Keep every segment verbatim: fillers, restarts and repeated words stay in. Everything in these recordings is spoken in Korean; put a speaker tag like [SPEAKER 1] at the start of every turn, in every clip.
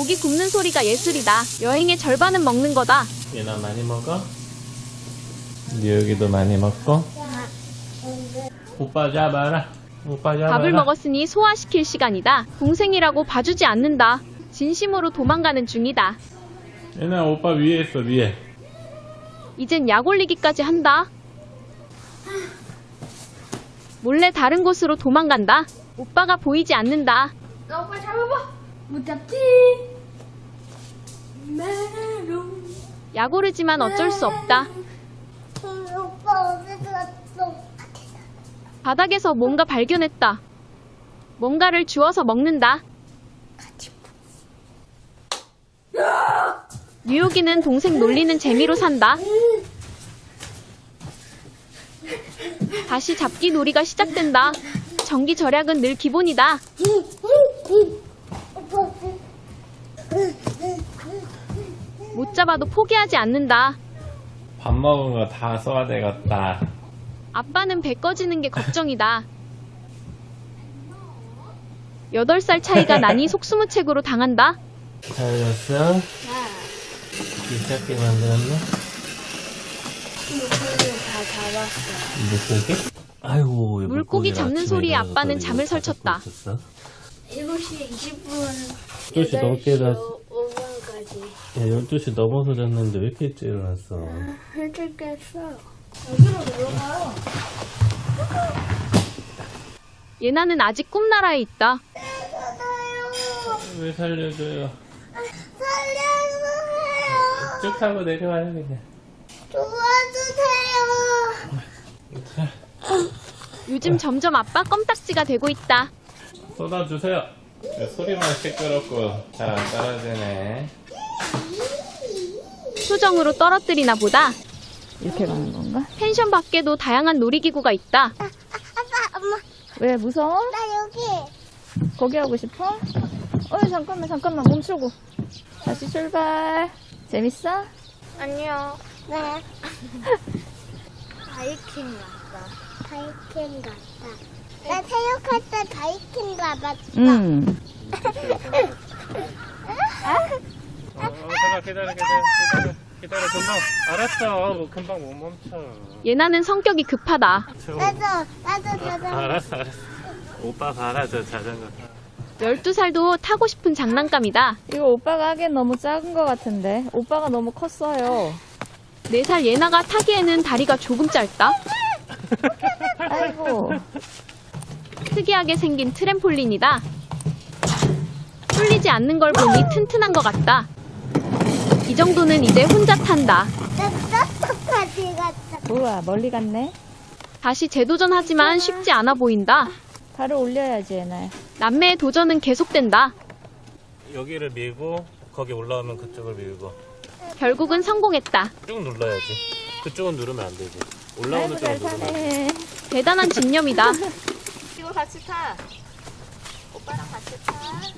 [SPEAKER 1] 고기 굽는 소리가 예술이다. 여행의 절반은 먹는 거다.
[SPEAKER 2] 얘나 많이 먹어? 여기도 많이 먹고? 오빠 잡아라. 오빠 잡아라.
[SPEAKER 1] 밥을 먹었으니 소화시킬 시간이다. 동생이라고 봐주지 않는다. 진심으로 도망가는 중이다.
[SPEAKER 2] 얘나 오빠 위에 있어, 위에.
[SPEAKER 1] 이젠 약 올리기까지 한다. 몰래 다른 곳으로 도망간다. 오빠가 보이지 않는다.
[SPEAKER 3] 나 오빠 잡아봐. 못 잡지. 메롱.
[SPEAKER 1] 약 오르지만 어쩔 수 없다.
[SPEAKER 3] 오빠 어디 갔어?
[SPEAKER 1] 바닥에서 뭔가 발견했다. 뭔가를 주워서 먹는다. 뉴욕이는 동생 놀리는 재미로 산다. 다시 잡기 놀이가 시작된다. 전기 절약은 늘 기본이다. 못 잡아도 포기하지 않는다.
[SPEAKER 2] 밥 먹은 거 다 써야 되겠다.
[SPEAKER 1] 아빠는 배 꺼지는 게 걱정이다. 여덟 살 차이가 나니 속수무책으로 당한다.
[SPEAKER 2] 잘렸어? 귀찮게 만들었네?
[SPEAKER 3] 물고기 다 잡았어.
[SPEAKER 2] 물고기? 아이고,
[SPEAKER 1] 물고기 잡는 소리에 아빠는 잠을 설쳤다.
[SPEAKER 3] 일곱 시 이십 분.
[SPEAKER 2] 열두 시 넘게 일어났-
[SPEAKER 3] 오 분까지.
[SPEAKER 2] 야, 열두 시 넘어서 잤는데 왜 이렇게 일찍 일어났어?
[SPEAKER 3] 일찍 깼어. 여기로 들어가요.
[SPEAKER 1] 예나는 아직 꿈나라에 있다.
[SPEAKER 2] 왜 살려줘요?
[SPEAKER 3] 살려주세요.
[SPEAKER 2] 쭉 타고 내려와요, 그냥.
[SPEAKER 3] 도와주세요.
[SPEAKER 1] 요즘 점점 아빠 껌딱지가 되고 있다.
[SPEAKER 2] 쏟아주세요. 야, 소리만 시끄럽고 잘 안 떨어지네.
[SPEAKER 1] 수정으로 떨어뜨리나 보다.
[SPEAKER 4] 이렇게 가는 건가?
[SPEAKER 1] 펜션 밖에도 다양한 놀이기구가 있다.
[SPEAKER 3] 아빠, 엄마,
[SPEAKER 4] 왜 무서워?
[SPEAKER 3] 나 여기.
[SPEAKER 4] 거기 하고 싶어? 어 잠깐만 잠깐만 멈추고 다시 출발. 재밌어?
[SPEAKER 3] 안녕. 네. 바이킹 갔다. 바이킹 갔다. 나 체육할 때 바이킹 가봤어.
[SPEAKER 4] 응.
[SPEAKER 2] 어, 어, 잠깐 기다려, 기다려, 기다려, 기다려, 금방. 알았어, 뭐 금방 못 멈춰.
[SPEAKER 1] 예나는 성격이 급하다.
[SPEAKER 3] 나도, 나도 자전거.
[SPEAKER 2] 알았어, 알았어. 오빠 봐라, 저 자전거.
[SPEAKER 1] 열두 살도 타고 싶은 장난감이다.
[SPEAKER 4] 이거 오빠가 하기엔 너무 작은 것 같은데 오빠가 너무 컸어요.
[SPEAKER 1] 네 살 예나가 타기에는 다리가 조금 짧다.
[SPEAKER 4] 아이고.
[SPEAKER 1] 특이하게 생긴 트램폴린이다. 뚫리지 않는 걸 보니 튼튼한 것 같다. 이 정도는 이제 혼자 탄다.
[SPEAKER 3] 나 떡볶이 갔다.
[SPEAKER 4] 우와 멀리 갔네.
[SPEAKER 1] 다시 재도전하지만 쉽지 않아 보인다.
[SPEAKER 4] 발을 올려야지 얘나야.
[SPEAKER 1] 남매의 도전은 계속된다.
[SPEAKER 2] 여기를 밀고 거기 올라오면 그쪽을 밀고
[SPEAKER 1] 결국은 성공했다.
[SPEAKER 2] 쭉 눌러야지. 그쪽은 누르면 안 되지. 올라오는
[SPEAKER 4] 아이고
[SPEAKER 2] 쪽은
[SPEAKER 4] 잘
[SPEAKER 2] 누르면 돼.
[SPEAKER 4] 타네.
[SPEAKER 1] 대단한 집념이다.
[SPEAKER 4] 이거 같이 타. 오빠랑 같이 타.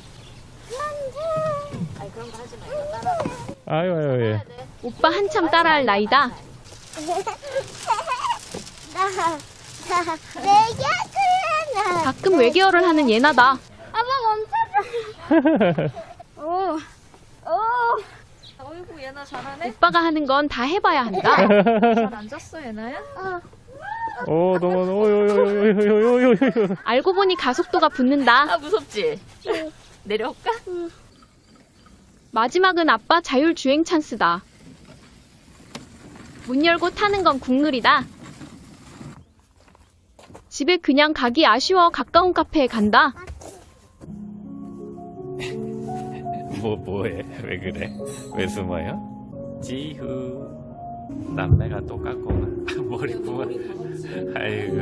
[SPEAKER 4] 아이 그런 거 하지 말고 따라와.
[SPEAKER 2] 아유, 아유, 예.
[SPEAKER 1] 오빠 한참 따라할 나이다.
[SPEAKER 3] 나, 나, 내가 그래,
[SPEAKER 1] 가끔 외계어를 하는 예나다.
[SPEAKER 3] 아빠 멈춰줘.
[SPEAKER 4] 오. 오. 어이구 얘나 잘하네.
[SPEAKER 1] 오빠가 하는 건 다 해봐야 한다.
[SPEAKER 4] 잘 앉았어 얘나야?
[SPEAKER 2] 오, 너무, 오요요요요요요요.
[SPEAKER 1] 알고 보니 가속도가 붙는다.
[SPEAKER 4] 아 무섭지? 내려올까?
[SPEAKER 1] 마지막은 아빠 자율주행 찬스다. 문 열고 타는 건 국룰이다. 집에 그냥 가기 아쉬워 가까운 카페에 간다.
[SPEAKER 2] 뭐, 뭐해? 왜 그래? 왜 숨어요? 지후. 남매가 똑같구만. 머리 부어. 아이고.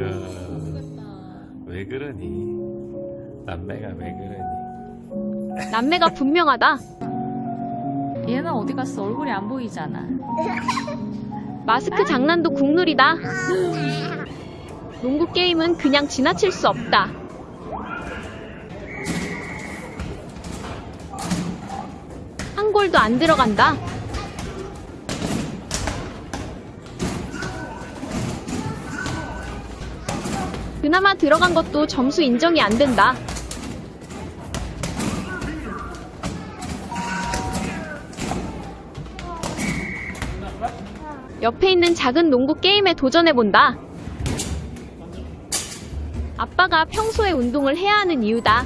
[SPEAKER 2] 왜 그러니? 남매가 왜 그러니?
[SPEAKER 1] 남매가 분명하다.
[SPEAKER 4] 얘는 어디 갔어? 얼굴이 안 보이잖아.
[SPEAKER 1] 마스크 장난도 국룰이다. 농구 게임은 그냥 지나칠 수 없다. 한 골도 안 들어간다. 그나마 들어간 것도 점수 인정이 안 된다. 옆에 있는 작은 농구 게임에 도전해본다. 아빠가 평소에 운동을 해야 하는 이유다.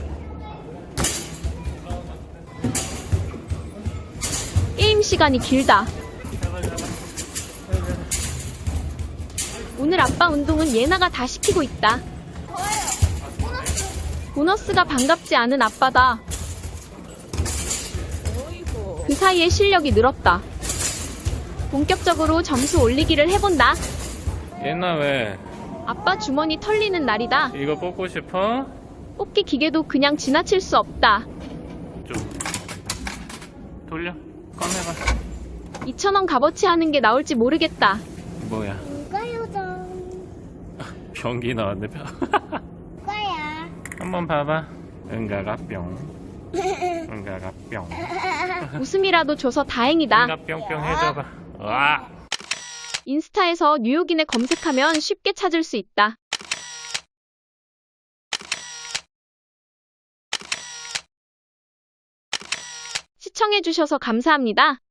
[SPEAKER 1] 게임 시간이 길다. 오늘 아빠 운동은 예나가 다 시키고 있다. 보너스가 반갑지 않은 아빠다. 그 사이에 실력이 늘었다. 본격적으로 점수 올리기를 해본다.
[SPEAKER 2] 얘나 왜
[SPEAKER 1] 아빠 주머니 털리는 날이다.
[SPEAKER 2] 이거 뽑고 싶어?
[SPEAKER 1] 뽑기 기계도 그냥 지나칠 수 없다.
[SPEAKER 2] 좀 돌려 꺼내봐.
[SPEAKER 1] 이천 원 값어치 하는 게 나올지 모르겠다.
[SPEAKER 2] 뭐야
[SPEAKER 3] 누가 요정?
[SPEAKER 2] 변기 나왔네. 변.
[SPEAKER 3] 누가야?
[SPEAKER 2] 한번 봐봐. 응가가 뿅. 응가가 뿅.
[SPEAKER 1] 웃음이라도 줘서 다행이다.
[SPEAKER 2] 응가 뿅뿅 해줘봐. 와.
[SPEAKER 1] 인스타에서 뉴욕인에 검색하면 쉽게 찾을 수 있다. 시청해주셔서 감사합니다.